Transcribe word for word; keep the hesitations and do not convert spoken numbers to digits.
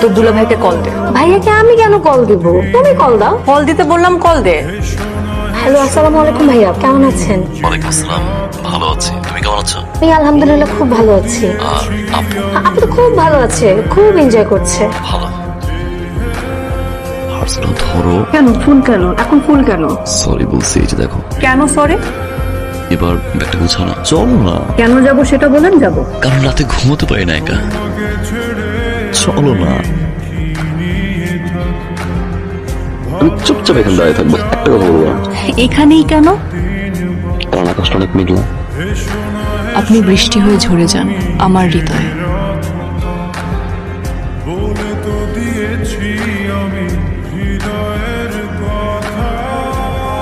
তোর দুলা ভাইকে কল দে। ভাইয়াকে আমি কেন কল দিব? তুমি কল দাও। কল দিতে বললাম, কল দে। হ্যালো, আসসালামু আলাইকুম ভাইয়া, কেমন আছেন? ওয়ালাইকুম আসসালাম, ভালো আছি। তুমি কেমন আছো? এই আলহামদুলিল্লাহ খুব ভালো আছি। আর আপু? আপু তো খুব ভালো আছে, খুব এনজয় করছে। ভালো। হার্সেল ধরো। কেন ফুল কেন এখন ফুল কেন? সরি বলছি, এই যে দেখো। কেন সরি? এবার ব্যাগটা গুছাও না, চলো না। কেন যাব সেটা বলেন যাব। কারণ রাতে ঘুমোতে পারি না একা। চলো না। আমি চুপচাপ এখানে দাঁড়িয়ে থাকবো, একটা কথা বলবো না। এখানেই কেন? কারণ আকাশটা অনেক মেঘলা। আপনি বৃষ্টি হয়ে ঝরে যান আমার হৃদয়ে।